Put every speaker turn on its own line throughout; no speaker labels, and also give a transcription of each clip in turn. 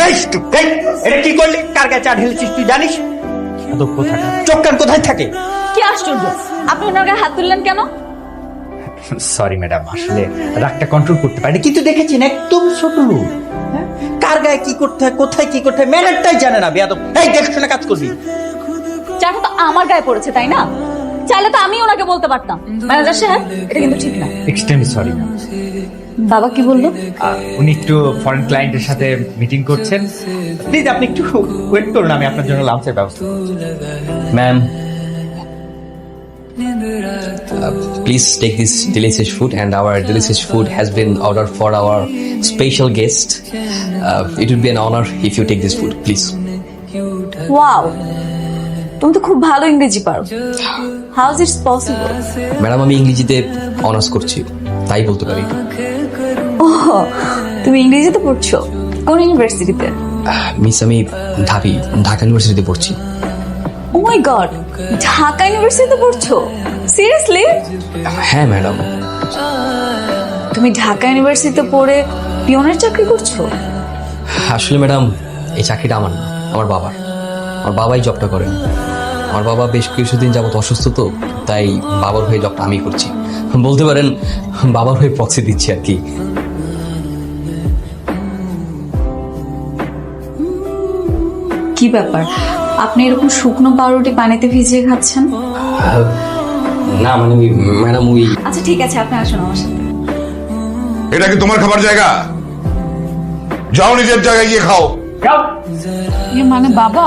এটা কি করলি? কার গায়ে চা ঢেলেছিস তুই জানিস? চোখ কান কোথায় থাকে?
কি আশ্চর্য, আপনি ওনার গায়ে হাত তুললেন কেন?
সরি ম্যাডাম, আসলে রাগটা কন্ট্রোল করতে পারিনি, কিন্তু দেখেছেন একদম ছোট লোক। হ্যাঁ? কার গায়ে কি করতে হয়, কোথায় কি করতে হয় ম্যানারটাই জানে না। বেয়াদব, এই দেখে কাজ করবি।
চাটা তো আমার গায়ে পড়েছে, তাই না? চাইলে তো আমি ওনাকে বলতে পারতাম, ম্যানেজার সাহেব এটা কিন্তু ঠিক না।
Extremely sorry ma'am.
বাবা কি বললো?
উনি একটু ফরেন ক্লায়েন্টের সাথে মিটিং করছেন, প্লিজ আপনি একটু ওয়েট করুন, আমি আপনার জন্য লাঞ্চের ব্যবস্থা করছি।
Ma'am, please take this delicious food, and our delicious food has been ordered for our special guest. It would be an honor if you take this food, please.
Wow, তুমি তো খুব ভালো ইংরেজি পারো। How is it's possible?
Madam, আমি ইংরেজিতে honours করছি, তাই বলতে পারি।
ওহ, তুমি ইংরেজিতে পড়ছো? কোন ইউনিভার্সিটিতে?
মিস, আমি ঢাকা ইউনিভার্সিটিতে পড়ছি।
ও মাই গড, ঢাকা ইউনিভার্সিটিতে পড়ছো? সিরিয়াসলি?
হ্যাঁ ম্যাডাম।
তুমি ঢাকা ইউনিভার্সিটিতে পড়ে পিয়নের চাকরি করছো?
আসলে ম্যাডাম, এই চাকরিটা আমার না, আমার বাবার। আমার বাবাই জবটা করেন। আমার বাবা বেশ কিছুদিন যাবত অসুস্থ, তো তাই বাবার হয়ে জবটা আমি করছি। বলতে পারেন বাবার হয়ে প্রক্সি দিচ্ছি আর কি।
কি ব্যাপার, আপনি এরকম শুকনো পাউরুটি পানিতে ভিজিয়ে খাচ্ছেন?
না মানে ম্যাডাম, ওই
আচ্ছা ঠিক আছে, আপনি আসুন আমার সাথে।
এটা কি তোমার খাবার জায়গা? যাও নিজের জায়গায় গিয়ে খাও।
মানে বাবা,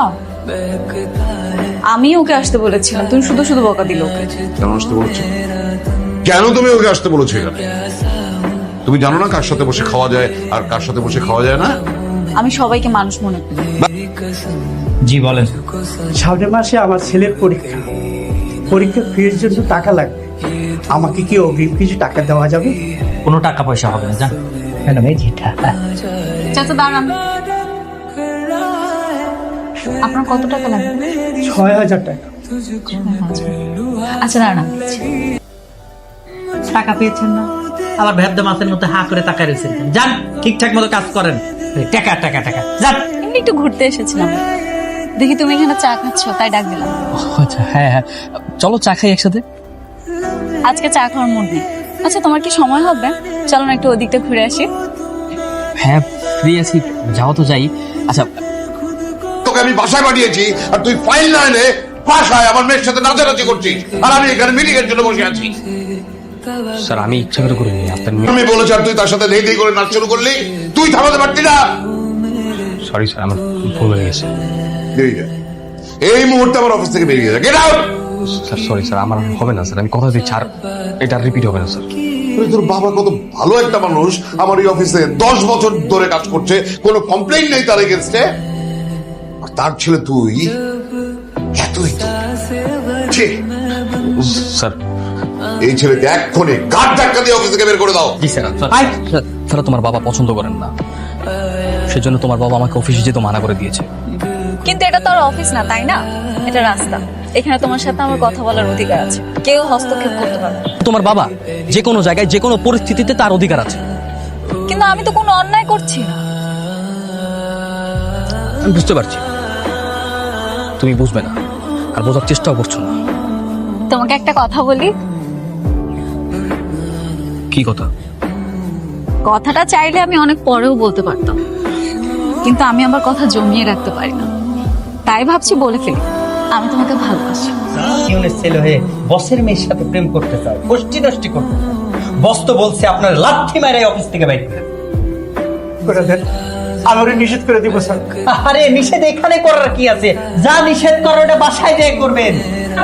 আমি ওকে আসতে বলেছিলাম, তুমি শুধু শুধু বকা দিল ওকে।
কেন আসতে বলছো? কেন তুমি ওকে আসতে বলেছো এখানে? তুমি জানো না কার সাথে বসে খাওয়া যায় আর কার সাথে বসে খাওয়া যায় না?
আমি সবাইকে মানুষ মনে করি।
জি বলেন।
সামনের মাসে আমার ছেলের পরীক্ষা ফির জন্য টাকা লাগবে। আমাকে কি অগ্রিম কিছু টাকা দেওয়া যাবে?
কোনো টাকা পয়সা হবে না, জান ম্যাডাম। এই যেটা
চাচা দাঁড়ান, আপনার কত টাকা লাগবে?
৬,০০০ টাকা।
আচ্ছা দাঁড়ান,
টাকা পেয়েছেন না, আবার ভেদ্য মাছের মতো হা করে তাকায় রয়েছেন। যান, ঠিকঠাক মতো কাজ করেন। টাকা টাকা টাকা, যান।
এমনি একটু ঘুরতে এসেছিলাম, দেখি তুমি এখানে চা খাচ্ছ, তাই ডাক দিলাম।
আচ্ছা, হ্যাঁ হ্যাঁ, চলো চা খাই একসাথে।
আজকে চা খাওয়ার মুড নেই। আচ্ছা তোমার কি সময় হবে? চলো না একটু ওদিকটা ঘুরে আসি।
হ্যাঁ ফ্রি আছি, যাও তো যাই। আচ্ছা,
তোকে আমি বাসায় পাঠিয়েছি আর তুই ফাইল না এনে বাসায় আমার মেয়ের সাথে নাচানাচি করছিস, আর আমি এখানে মিটিং এর জন্য বসে আছি।
স্যার আমি ইচ্ছা করে করিনি, আপনার
আমি বলেছি আর তুই তার সাথে ধেই ধেই করে নাচ শুরু করলি, তুই থামাতে পারতি না?
সরি স্যার, আমার ভুল হয়ে গেছে।
বেরিয়ে যা, এই মুহূর্তে আমার অফিস থেকে বেরিয়ে যা, get out.
Sir sorry sir, আমার হবে না স্যার, আমি কথা দিচ্ছি, আর এটা রিপিট হবে না স্যার।
তোর বাবা কত ভালো একটা মানুষ, আমার এই অফিসে 10 বছর ধরে কাজ করছে, কোনো কমপ্লেইন নেই তার এগেনস্টে, আর তার ছেলে তুই এতই তো। ছি,
স্যার
এই ছেলেকে এক্ষুনি গাড় ধাক্কা দিয়ে অফিস থেকে বের করে দাও।
জি স্যার। স্যার তোমার বাবা পছন্দ করেন না, সেজন্য তোমার বাবা আমাকে অফিসে যেতে মানা করে দিয়েছে।
কিন্তু এটা তো আর অফিস না, তাই না? এটা রাস্তা। এখানে তোমার সাথে আমার কথা বলার অধিকার আছে, কেউ হস্তক্ষেপ করতে পারবে না।
তোমার বাবা যে কোনো জায়গায় যে কোনো পরিস্থিতিতে তার অধিকার আছে।
কিন্তু আমি তো কোনো অন্যায় করছি না।
আমি বুঝতে পারছি, তুমি বুঝবে না আর বোঝার চেষ্টাও করছো না।
তোমাকে একটা কথা বলি।
কি কথা?
কথাটা চাইলে আমি অনেক পরেও বলতে পারতাম, কিন্তু আমি আমার কথা জমিয়ে রাখতে পারি না, তাই ভাবছি বলে ফেলি। আমি তোমাকে ভালোবাসি।
ইউনিট ছেলে হয়ে বসের মেয়ের সাথে প্রেম করতে চাও, গোষ্ঠী নষ্টি করতে চাও। বস তো বলছে আপনার লাথি মারে অফিস থেকে বাইরে
করে দেন, আমি ওরে নিষেধ করে দিব স্যার।
আরে নিষেধ এখানে করার কি আছে? যা নিষেধ করো ওটা বাসায় যেয়ে করবেন।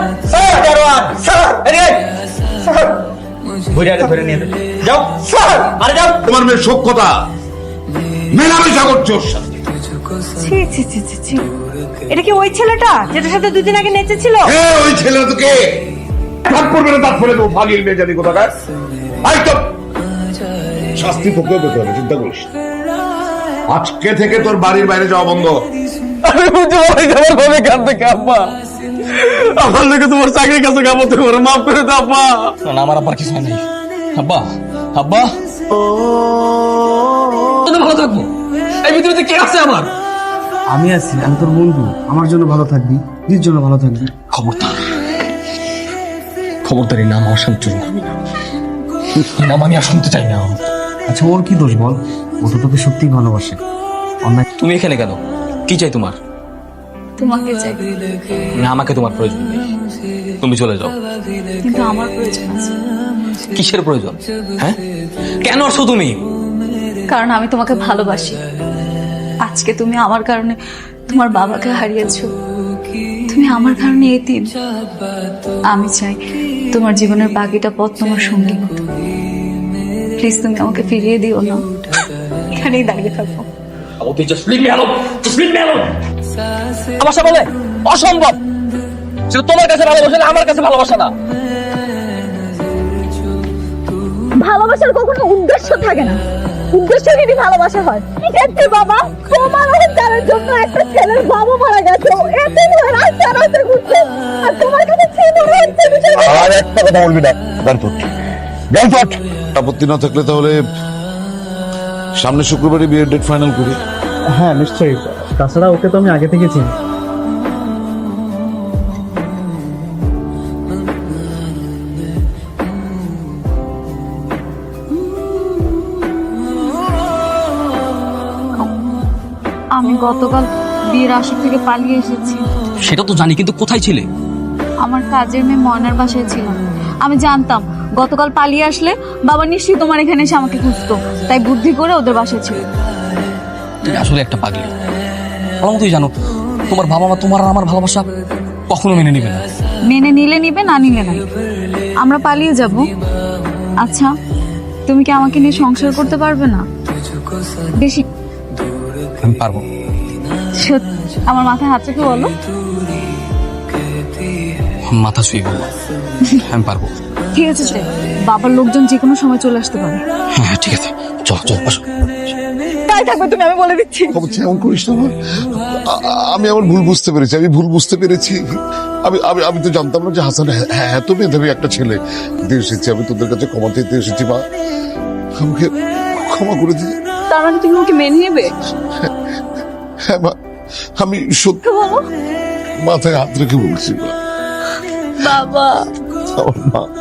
ধরে নিয়ে যাও স্যার। আরে যাও,
তোমার মেয়ের সভ্যতা মেলামেশা করছে ওর সাথে।
ছি ছি ছি ছি ছি, এটা কি ওই ছেলেটা যেটার সাথে দুদিন আগে নেচেছিল?
ওই ছেলে তোকে ভাগ করবে না, তার ফলে তো ফাগিল মেয়ে জানি কোথাকার। একদম শাস্তি তোকেও পেতে হবে, চিন্তা করিস না। আজকে থেকে তোর বাড়ির বাইরে যাওয়া বন্ধ।
আমি বুঝতে পারি আমার ভাবে কান থেকে আব্বা, আমার লোকে তোমার চাকরির কাছে কামড় করে মাফ করে দাও আব্বা।
না, আমার আব্বার কিছু হয় নাই। আব্বা, আব্বা ভালো থাকবো। এই পৃথিবীতে কে আছে আমার?
আমি আছি, আমি তোর বন্ধু, আমার জন্য ভালো থাকবি, নিজের জন্য ভালো থাকবি।
খবরদার খবরদারি নাম আমার সামনে চুরি করবি না। এই নাম আমি আর শুনতে চাই না।
আচ্ছা ওর কি দোষ বল? ও তো তোকে সত্যিই ভালোবাসে। অন্যায়
তুমি এখানে কেন? কি চাই তোমার?
তোমাকে চাই,
না, আমাকে তোমার প্রয়োজন নেই, তুমি চলে যাও।
কিন্তু আমার প্রয়োজন আছে।
কিসের প্রয়োজন? হ্যাঁ, কেন আসছো তুমি?
কারণ আমি তোমাকে ভালোবাসি। আজকে তুমি আমার কারণে তোমার বাবাকে হারিয়েছো, তুমি আমার কারণে এতিম। আমি চাই তোমার জীবনের বাকিটা পথ তোমার সঙ্গী হতে। প্লিজ তুমি আমাকে ফিরিয়ে দিও না, এখানেই দাঁড়িয়ে থাকবো।
ভালোবাসা বলে অসম্ভব, সেটা তোমার কাছে ভালোবাসা না, আমার কাছে ভালোবাসা না।
ভালোবাসার কখনো উদ্দেশ্য থাকে না, উদ্দেশ্য যদি ভালোবাসা হয়। ঠিক আছে বাবা, তোমার অহংকারের জন্য একটা ছেলের বাবা মারা গেছে, এতে রাস্তা রাস্তা ঘুরছে, আর তোমার কাছে ছেলে হচ্ছে বিষয়টা।
আর একটা কথা বলবি না, আপত্তি না থাকলে তাহলে সামনে শুক্রবারই বিয়ের ডেট ফাইনাল করি।
হ্যাঁ নিশ্চয়ই, তাছাড়া ওকে তো আমি আগে থেকে চিনি।
আমি গতকাল বিয়ের আসর থেকে পালিয়ে এসেছি।
সেটা তো জানি, কিন্তু কোথায় ছিলে?
আমার কাজের মেয়ে ময়নার বাসায় ছিলাম। আমি জানতাম গতকাল পালিয়ে আসলে বাবা নিশ্চয়ই তোমার এখানে এসে আমাকে খুঁজতো, তাই বুদ্ধি করে ওদের বাসায় ছিল।
তুমি আসলে একটা পাগলি। ভালো মতোই জানো তোমার বাবা মা তোমার আর আমার ভালোবাসা কখনো মেনে নিবে না।
মেনে নিলে নিবে, না নিলে না। আমরা পালিয়ে যাব। আচ্ছা, তুমি কি আমাকে নিয়ে সংসার করতে পারবে না? বেশি
আমি পারবো।
সত্যি? আমার মাথায় হাত রেখে বলো।
মাথা শুয়ে বলবো আমি পারবো।
ঠিক আছে, বাবার লোকজন যে কোনো সময় চলে আসতে পারে।
হ্যাঁ ঠিক আছে, চলো চলো আসো।
তাই থাকবে তুমি, আমি বলে দিচ্ছি।
এমন করিস না। আমি আমার ভুল বুঝতে পেরেছি, আমি ভুল বুঝতে পেরেছি। আমি আমি আমি তো জানতাম না যে হাসান এত মেধাবী একটা ছেলে। দিয়ে এসেছি, আমি তোদের কাছে ক্ষমা চাইতে এসেছি। মা, আমাকে ক্ষমা করে দিই।
তার মানে তুমি ওকে মেনে নেবে?
হ্যাঁ মা, আমি সত্যি
বলো।
মাথায় হাত রেখে বলছি মা।
বাবা,
আমার মা